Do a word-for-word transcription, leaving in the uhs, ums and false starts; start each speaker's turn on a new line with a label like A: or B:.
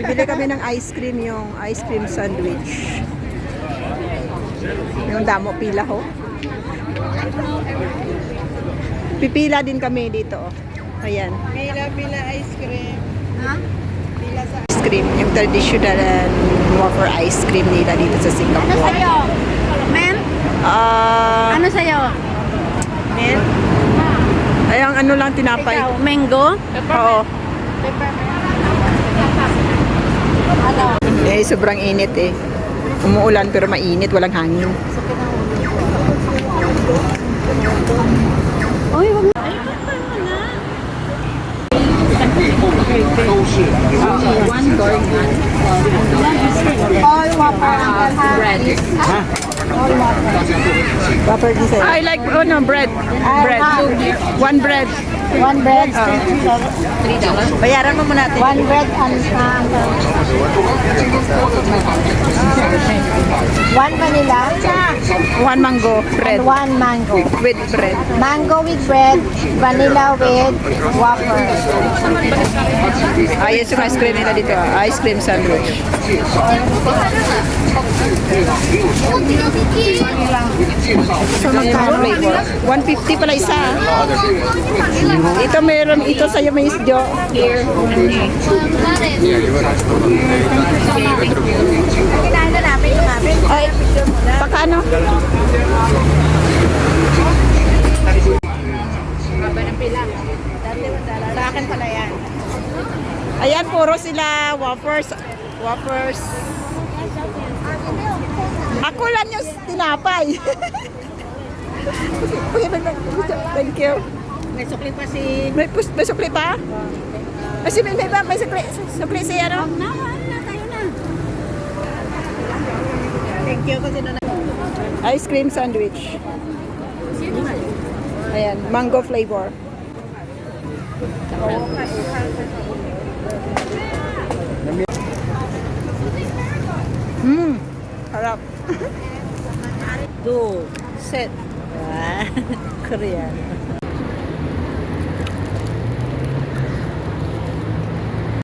A: Bibili kami ng ice cream, yung ice cream sandwich. Yung damo pila ho. Pipila din kami dito. Oh. Ayan.
B: Pila-pila ice cream. Ha? Pila sa
A: Ice cream, yung traditional wafer ice cream nila dito sa
C: Ano
A: Singapore.
C: sa'yo? Men?
A: Ah,
C: Ano sa'yo?
A: men? Ay, ang ano lang tinapay.
C: Ikaw, mango?
A: Oo.
C: Ano?
A: Eh, sobrang init eh. Umuulan pero mainit, walang hangin.
C: Uy, wag mo.
A: One gourmet.
C: All whopper, Uncle ha?
A: Bread.
C: All whopper.
A: Whopper din sa'yo. I like, oh no, bread. Bread. One bread.
C: One bread,
A: Three dollars. Bayaran mo muna natin.
C: one bread and uh, Uncle. One vanilla
A: One mango bread.
C: and one mango.
A: With bread.
C: Mango with bread, vanilla with whopper.
A: Ayos yung ice cream nila dito. ah. Ice cream sandwich. So, magkano flavor? one fifty pala isa. ah. Ito meron, ito sa'yo may isdyo. Here.
C: Kinain na namin yung namin.
A: Ay, pakano?
C: Sa akin pala yan.
A: Ayan, puro sila wafers. Wafers. Ako lang yung tinapay. Thank you.
C: May sukli pa si...
A: May, pus- may sukli pa? Kasi may, may, may sukli, sukli siya, no?
C: Na, na, tayo na.
B: thank you kasi na
A: Ice cream sandwich. Ayan, mango flavor. Mmm, harap.
B: do.
A: Set.
B: Korean.